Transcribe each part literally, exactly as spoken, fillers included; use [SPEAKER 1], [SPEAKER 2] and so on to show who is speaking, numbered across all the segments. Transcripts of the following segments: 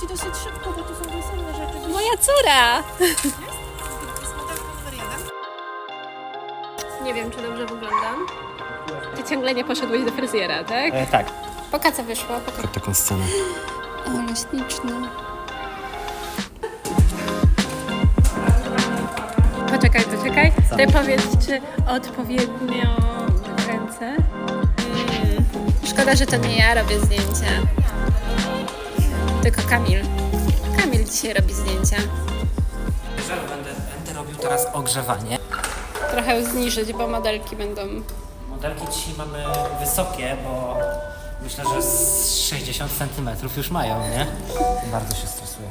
[SPEAKER 1] dosyć szybko, bo to są wesenne rzeczy.
[SPEAKER 2] Moja córa!
[SPEAKER 1] Jest? Jest modelką numer jeden.
[SPEAKER 2] Nie wiem, czy dobrze wyglądam. Ty ciągle nie poszedłeś do fryzjera, tak?
[SPEAKER 3] E, tak.
[SPEAKER 2] Poka co wyszło? Poka.
[SPEAKER 3] Taką scenę.
[SPEAKER 2] Ale śliczne. Poczekaj, poczekaj. Ty powiedz, czy odpowiednio ręce? Mm. Szkoda, że to nie ja robię zdjęcia. Tylko Kamil. Kamil dzisiaj robi zdjęcia.
[SPEAKER 3] Będę, będę robił teraz ogrzewanie.
[SPEAKER 2] Trochę zniżyć, bo modelki będą...
[SPEAKER 3] Modelki dzisiaj mamy wysokie, bo myślę, że z sześćdziesiąt centymetrów już mają, nie? Bardzo się stresuję.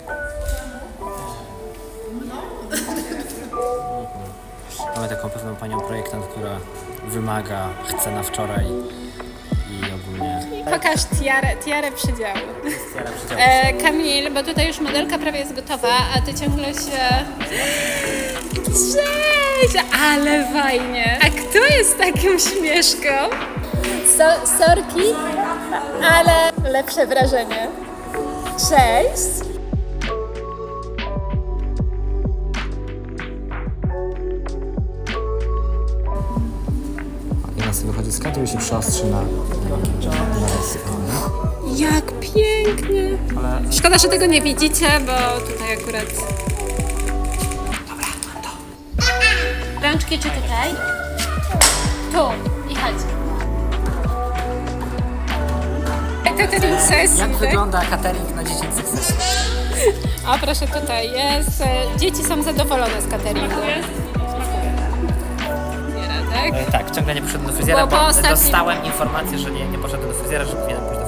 [SPEAKER 3] Mamy taką pewną panią projektant, która wymaga, chce na wczoraj i ogólnie...
[SPEAKER 2] Pokaż tiarę, tiarę przydziału.
[SPEAKER 3] Stara przydział.
[SPEAKER 2] E, Kamil, bo tutaj już modelka prawie jest gotowa, a ty ciągle się... Cześć! Ale fajnie! A kto jest taką śmieszką? So, sorki, ale lepsze wrażenie. Cześć!
[SPEAKER 3] I nas wychodzi z kadru i się przyostrzy na, na, na
[SPEAKER 2] Jak pięknie!
[SPEAKER 3] Ale
[SPEAKER 2] Szkoda, że tego nie widzicie, bo tutaj akurat... Rączki czy tutaj? Tu i chodź. Catering sesji,
[SPEAKER 3] jak
[SPEAKER 2] tak?
[SPEAKER 3] wygląda catering na dziecięcych sesjach?
[SPEAKER 2] A proszę, tutaj jest. E, Dzieci są zadowolone z cateringu. Nie, Radek?
[SPEAKER 3] E, tak, ciągle nie poszedłem do fryzjera,
[SPEAKER 2] Bo- bo
[SPEAKER 3] bo,
[SPEAKER 2] ostatni-
[SPEAKER 3] dostałem informację, że nie, nie poszedłem do fryzjera, że powinienem pójść do